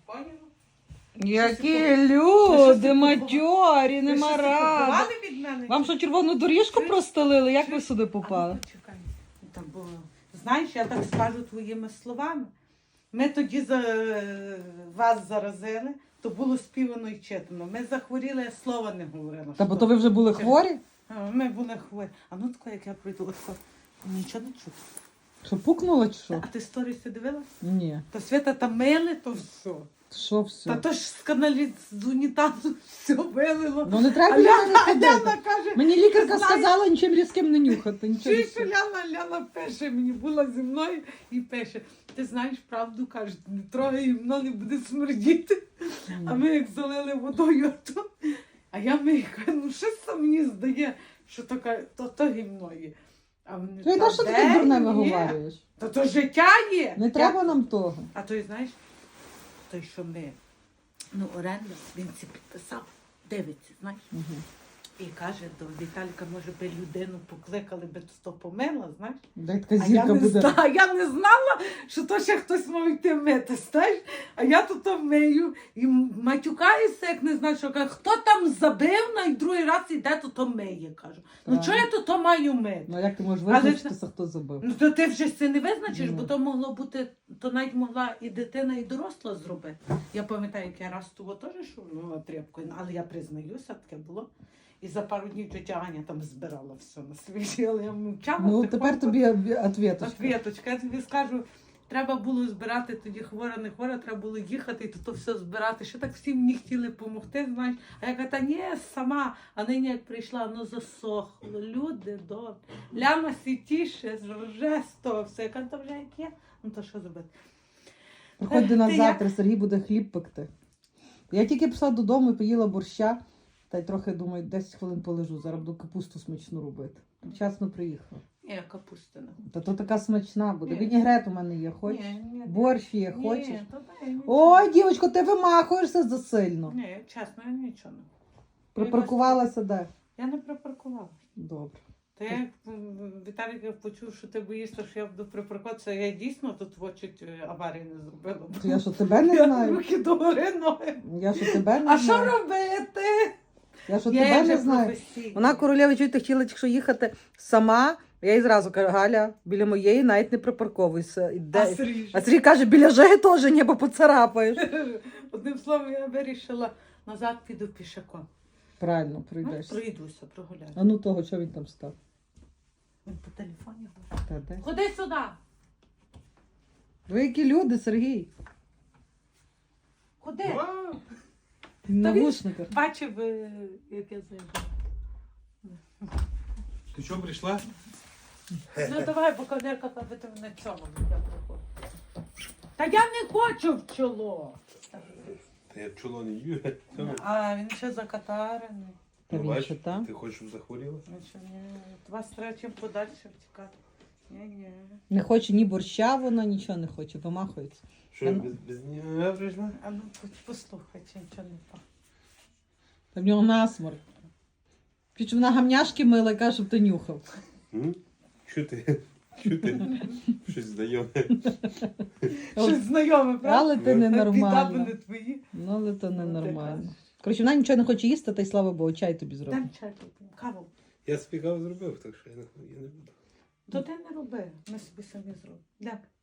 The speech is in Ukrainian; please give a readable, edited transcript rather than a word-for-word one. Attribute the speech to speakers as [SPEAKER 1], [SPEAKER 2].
[SPEAKER 1] Поняла?
[SPEAKER 2] Які люди, матьорі, нема ради.
[SPEAKER 1] Ховали від мене?
[SPEAKER 2] Вам що, червону доріжку простелили? Як ви сюди попали?
[SPEAKER 1] Почекай. Там було. Знаєш, я так скажу твоїми словами. Ми тоді вас заразили, то було співано і читано. Ми захворіли, я слова не говорила.
[SPEAKER 2] Та бо то ви вже були хворі?
[SPEAKER 1] Ми були хворі. А ну тако, як я прийду, тако, нічого не чути.
[SPEAKER 2] Що, пукнула чи що?
[SPEAKER 1] А ти сторіси дивилась?
[SPEAKER 2] Ні.
[SPEAKER 1] То Свята там мили, то все.
[SPEAKER 2] Що все?
[SPEAKER 1] Та то ж з каналі з унітазу все вилило.
[SPEAKER 2] Ну не треба
[SPEAKER 1] А
[SPEAKER 2] біля мене
[SPEAKER 1] Ляна
[SPEAKER 2] ходити.
[SPEAKER 1] каже,
[SPEAKER 2] Мені лікарка
[SPEAKER 1] знаєш-
[SPEAKER 2] сказала нічим різким не нюхати. Нічого
[SPEAKER 1] чуєш, що
[SPEAKER 2] різким.
[SPEAKER 1] Ляна пише мені, була зі мною і пише, ти знаєш правду, каже, не трогай, воно не буде смердіти. А ми як залили водою, а я мию, кажу, ну щось це мені здає, що то гімно є. А вони,
[SPEAKER 2] Ти
[SPEAKER 1] «Та
[SPEAKER 2] що
[SPEAKER 1] де
[SPEAKER 2] таке дурне
[SPEAKER 1] є?
[SPEAKER 2] виговорюєш?
[SPEAKER 1] Та то життя є.
[SPEAKER 2] Не треба нам того.
[SPEAKER 1] А той, знаєш, той, що ми, оренда, він це підписав, дивиться, знаєш.
[SPEAKER 2] Угу.
[SPEAKER 1] І каже, до Віталіка, може би людину покликали, би то помила, знаєш.
[SPEAKER 2] Дай така
[SPEAKER 1] А я
[SPEAKER 2] зірка
[SPEAKER 1] не,
[SPEAKER 2] буде.
[SPEAKER 1] я не знала, що то ще хтось мав йти мити, знаєш. А я тут мию і матюкаюся, як не знаю, що каже, хто там забив, і другий раз іде, то миє, кажу. Ну
[SPEAKER 2] Так.
[SPEAKER 1] чого я тут маю мити?
[SPEAKER 2] Ну як ти можеш
[SPEAKER 1] Але
[SPEAKER 2] визначитися, хто забив?
[SPEAKER 1] Ну то ти вже це не визначиш,
[SPEAKER 2] Ну.
[SPEAKER 1] бо то могло бути, то навіть могла і дитина, і доросла зробити. Я пам'ятаю, як я раз того теж шурнула тряпкою, але я признаюся, таке було. І за пару днів тетя Аня там збирала все на свіжі, але я мовчала.
[SPEAKER 2] Ну тепер тобі ответочка.
[SPEAKER 1] Ответочка, я тобі скажу, треба було збирати тоді хвора, не хвора, треба було їхати і то все збирати. Ще так всі мені хотіли допомогти, знаєш. А я кажу, та ні, сама. А нині як прийшла, засохло. Люди добре. Ляна сітіше, вже з того все. Я кажу, то вже як є, ну то що зробити?
[SPEAKER 2] Приходь до нас
[SPEAKER 1] Ти
[SPEAKER 2] завтра, Сергій буде хліб пекти. Я тільки пішла додому і поїла борща, та й трохи, думаю, 10 хвилин полежу, зараз буду капусту смачну робити. Вчасно приїхала.
[SPEAKER 1] Ні, капусти не.
[SPEAKER 2] Та то така смачна буде.
[SPEAKER 1] Ні.
[SPEAKER 2] Вінігрет у мене є, хочеш?
[SPEAKER 1] Ні.
[SPEAKER 2] Борщ є, хочеш?
[SPEAKER 1] Ні, то дай мені.
[SPEAKER 2] Ой, дівочко, ти вимахуєшся засильно.
[SPEAKER 1] Ні, чесно, я нічого не.
[SPEAKER 2] Припаркувалася де?
[SPEAKER 1] Я не припаркувала.
[SPEAKER 2] Добре.
[SPEAKER 1] Та я Віталік почув, що ти боїшся, що я буду припаркуватися. Я дійсно тут чуть аварії не зробила.
[SPEAKER 2] То я що тебе не
[SPEAKER 1] Я
[SPEAKER 2] знаю?
[SPEAKER 1] руки догори ноги.
[SPEAKER 2] Я що тебе не
[SPEAKER 1] А що
[SPEAKER 2] знаю?
[SPEAKER 1] робити?
[SPEAKER 2] Я що
[SPEAKER 1] Я
[SPEAKER 2] тебе
[SPEAKER 1] вже
[SPEAKER 2] не знаю?
[SPEAKER 1] професійна.
[SPEAKER 2] Вона королева, чуєте, хотіла якщо їхати сама. Я їй зразу кажу, Галя, біля моєї навіть не припарковуйся.
[SPEAKER 1] А Сергій?
[SPEAKER 2] А Сергій каже, біля Жеги теж ні, бо поцарапаєш.
[SPEAKER 1] Одним словом, я вирішила, назад піду пішаком.
[SPEAKER 2] Правильно,
[SPEAKER 1] Ну,
[SPEAKER 2] пройдеш.
[SPEAKER 1] пройдуся, прогуляю.
[SPEAKER 2] А ну того, що він там став?
[SPEAKER 1] Він по телефоні говорить.
[SPEAKER 2] Та де?
[SPEAKER 1] Ходи сюди.
[SPEAKER 2] Ви які люди, Сергій?
[SPEAKER 1] Ходи.
[SPEAKER 2] В навушниках.
[SPEAKER 1] Бачив, як я зайду.
[SPEAKER 3] Ти чого прийшла?
[SPEAKER 1] Ну давай, бо кавалерка, аби ти мене цьому не приходить. Та я не хочу в чоло.
[SPEAKER 3] Та я чоло не їю.
[SPEAKER 1] А він ще закатарений.
[SPEAKER 2] Та він ще там.
[SPEAKER 3] Ти хочеш, щоб захворіла?
[SPEAKER 1] Ну що, ні, вас треба чим подальше втікати. Ні.
[SPEAKER 2] Не хоче ні борща, вона нічого не хоче, вимахується.
[SPEAKER 3] Що, без нього прийшла?
[SPEAKER 1] А ну послухай, чи нічого не пахне.
[SPEAKER 2] Та в нього насморк. Піч вона гамняшки мила і каже, щоб ти нюхав.
[SPEAKER 3] Що ти? Що ти? Щось знайоме.
[SPEAKER 1] Щось знайоме, правда?
[SPEAKER 2] Але ти
[SPEAKER 1] Біда
[SPEAKER 2] ненормальна.
[SPEAKER 1] не твої.
[SPEAKER 2] Ну, але то
[SPEAKER 1] ти
[SPEAKER 2] ненормально.
[SPEAKER 1] кажеш.
[SPEAKER 2] Коротше, вона нічого не хоче їсти, та й слава Богу, чай тобі зробить.
[SPEAKER 1] Дам чай поп'ємо, каву.
[SPEAKER 3] Я спікав зробив, так що я не буду.
[SPEAKER 1] То ти не роби, ми собі самі зробимо. Дякую.